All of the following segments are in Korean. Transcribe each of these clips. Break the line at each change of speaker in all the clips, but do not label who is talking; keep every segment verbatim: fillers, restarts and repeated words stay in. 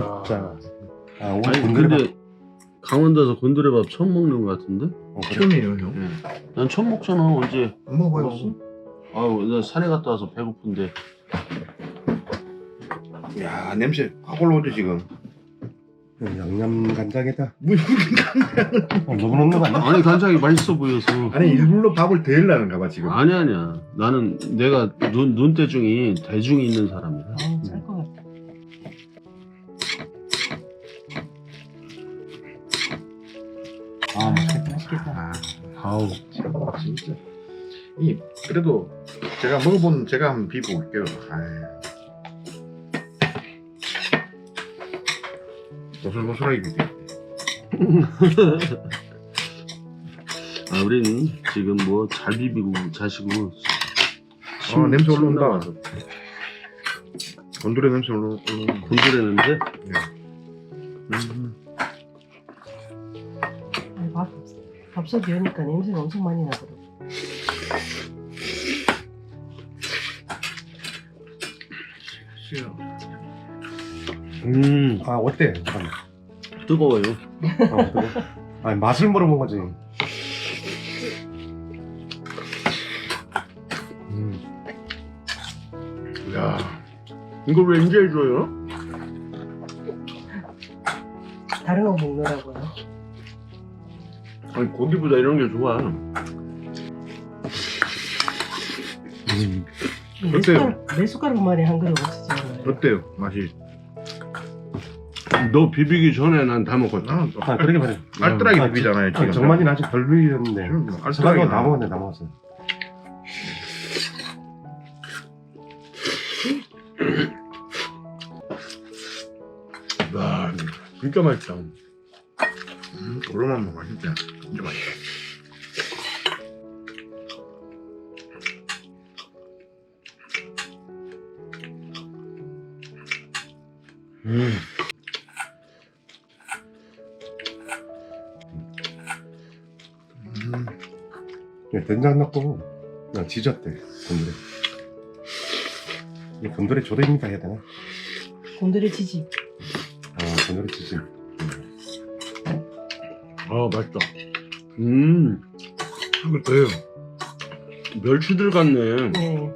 진짜. 아, 오늘
아니
곤드레
근데 강원도에서 곤드레밥 처음 먹는 것 같은데?
어, 그래?
처음이에요 형.
응. 난 처음 먹잖아. 언제
안 먹어요.
먹었어? 아유 나 산에 갔다 와서 배고픈데.
야 냄새 확 올라오죠 지금.
양념 간장에다
뭐 이렇게
어, 너무 넣는 거 아니야?
아니 간장이 맛있어 보여서.
아니 일부러 밥을 데일라는가 봐 지금.
아니 아니야. 나는 내가 눈 눈대중이 대중이 있는 사람이야.
아우 짤것 같다.
아, 맛있겠다.
맛있겠다.
아,
아우
진짜. 이 그래도 제가 먹어본 제가 한번 비벼볼게요. 아. 고슬고슬하게 비벼.
아 우리는 지금 뭐 잘 비비고 자시고.
아, 냄새
침
올라온다.
나와서.
곤드레 냄새 올라.
곤드레 냄새?
네.
음.
아니, 밥, 밥솥 여니까 냄새가 엄청 많이 나더라고.
싫어.
음
아, 어때? 잠깐만.
뜨거워요.
어, 그래? 아니, 맛을 물어본 거지. 음.
야,
이걸 왜 이제 해줘요?
다른 거 먹느라고요.
아니 고기보다 이런 게 좋아.
음.
내 숟가락, 내 숟가락만에 한 그릇 없었잖아요.
어때요 맛이?
너 비비기 전에 난 다 먹었다.
나는 또
아, 그러게 말이야.
알뜰하게
아,
비비잖아요 지금.
아, 정만이는 아직 덜 비볐는데.
지금 뭐
알뜰하게
알뜰하게
다 먹었네, 다 먹었어.
와 진짜 맛있다.
음, 오랜만에 먹어 진짜. 진짜 맛있다.
음.
음,
예, 된장 넣고 그냥 지졌대, 곤드레. 이 곤드레 조림이다 해야 되나?
곤드레 치즈.
아, 곤드레 치즈.
아 맛있다. 음
한글 더요.
멸치들 같네.
네.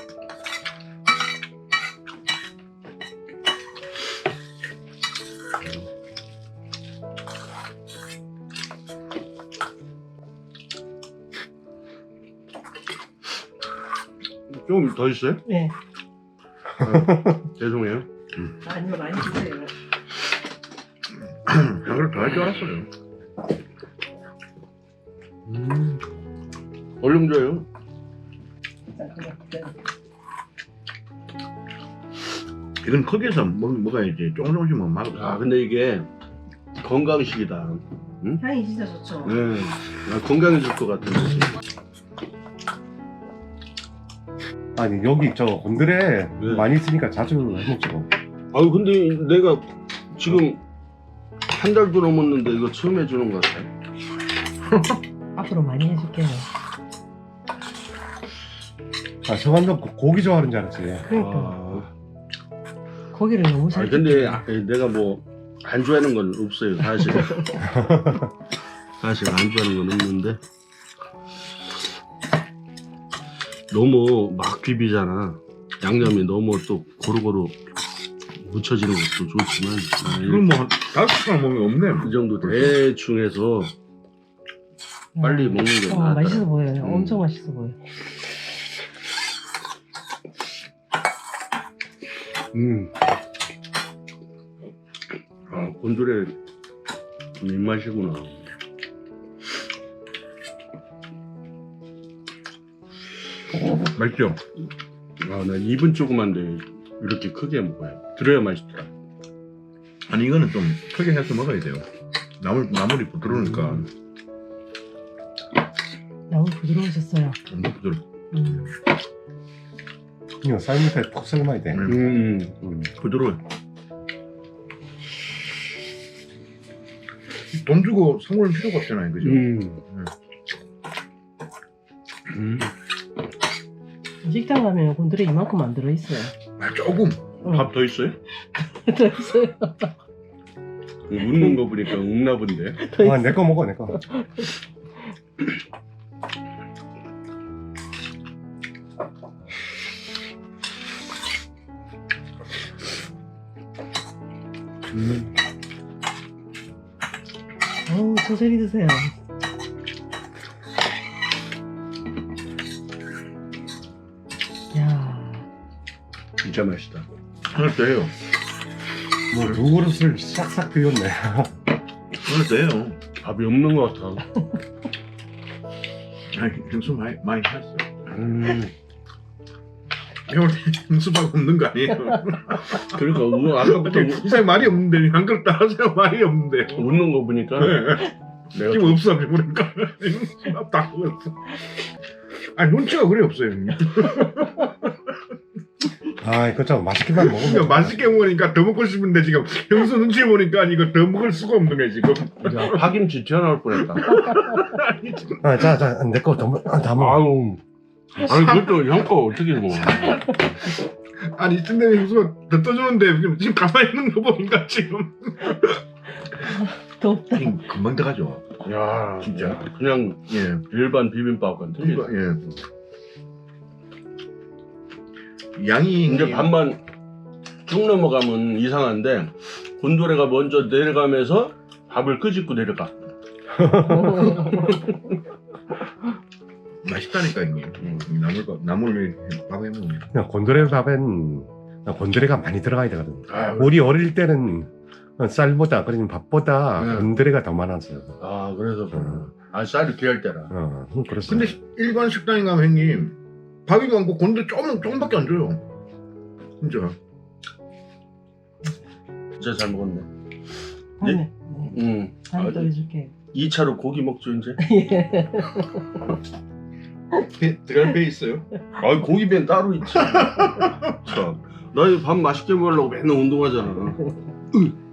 좀 더 있어요?
네.
아, 죄송해요.
아니요, 많이 주세요.
한글 더 할 줄 알았어요.
음. 얼른 줘요.
이건 크게서 먹, 먹어야지. 조금 조금씩 먹으면 맛없어.
아 근데 이게 건강식이다.
향이 진짜 좋죠.
네. 아, 건강해질 것 같은 느낌.
아니, 여기 저 곤드레
네.
많이 있으니까 자주 해먹지 뭐.
아유 근데 내가 지금 한 달도 넘었는데 이거 처음 해주는 것 같아.
앞으로 많이 해줄게요.
아, 성환도 고기 좋아하는 줄 알았지.
그러니까
아,
고기를 너무 잘.
아니, 근데
뜯겨요.
아, 내가 뭐 안 좋아하는 건 없어요 사실. 사실 안 좋아하는 건 없는데 너무 막 비비잖아. 양념이 너무 또 고루고루 묻혀지는 것도 좋지만 아,
이건 뭐 다섯 시간 먹으면 없네.
이 정도 대충 해서 빨리 먹는 게
어,
나았다.
맛있어 보여요.
음.
엄청 맛있어 보여.
음.
아, 곤드레 입맛이구나.
맛있죠?
아, 나 입은 조그만데 이렇게 크게 먹어요. 들어야 맛있더라.
아니 이거는 좀 크게 해서 먹어야 돼요. 나물 나물이 부드러우니까
음.
너무 부드러우셨어요.
엄청 부드러.
음.
이거 삶을 때 푹 삶아야 돼.
음.
음.
음.
부드러워. 돈 주고 선물 필요가 없잖아요, 그죠?
음. 음.
식당 가면 곤드레 이만큼 안 들어있어요.
아, 조금.
응.
밥 더 있어요?
더 있어요.
웃는 거 보니까 웃나 본데.
더 있어요.
아, 내 거 먹어, 내 거. 음,
어우, 천천히 드세요. 야,
진짜 맛있다.
오늘 돼요.
뭐, 두 그릇을 싹싹 비웠네.
오늘 돼요.
밥이 없는 것 같아.
아니, 형수 많이 많이 했어.
음.
이걸 형수밖에 없는 거 아니에요?
그러니까 우- 아까부터 우-
이상 말이 없는데 한 그릇 따라서 말이 없는데.
웃는 거 보니까
네.
내가
지금 없어 그러니까 다 먹었어. 아니 눈치가 그래 없어요 형님.
아, 이거 좀 맛있게만
그러니까
먹으면.
맛있게 먹으니까 더 먹고 싶은데 지금 형수 눈치 보니까 이거 더 먹을 수가 없는 거야 지금.
야, 파김치 튀어나올 뻔했다.
아, 자, 자, 내 거 더, 먹- 아, 다 먹어.
아유. 아니 그것도 형 거 어떻게 먹어?
아니 이쯤 되면 형수가 더 떠주는데 지금, 지금 가만히 있는 거 보니까 지금.
더 없다.
금방 들어가죠.
야
진짜.
그냥
예.
일반 비빔밥과는 틀리다.
예. 양이
이제 밥만 쭉 넘어가면 이상한데 곤도레가 먼저 내려가면서 밥을 끄집고 내려가.
맛있다니까 형님.
음.
나물 나물 밥에 먹으면.
그냥 곤드레 밥엔 곤드레가 많이 들어가야 되거든.
아유.
우리 어릴 때는 쌀보다, 그러니 밥보다
네.
곤드레가 더 많았어요.
아 그래서
어,
그러나. 아 쌀이 귀할 때라.
어, 그랬어.
근데 일반 식당에 가면 형님 밥이 많고 곤데 조금 조금밖에 안 줘요. 진짜.
진짜 잘 먹었네.
다음에, 네.
음.
다음에 또
아,
해줄게요.
이 차로 고기 먹죠 이제.
예.
배, 들어갈 배 있어요?
아 고기弁따로 있지. 참. 나 밥 맛있게 먹으려고 맨날 운동하잖아. 으.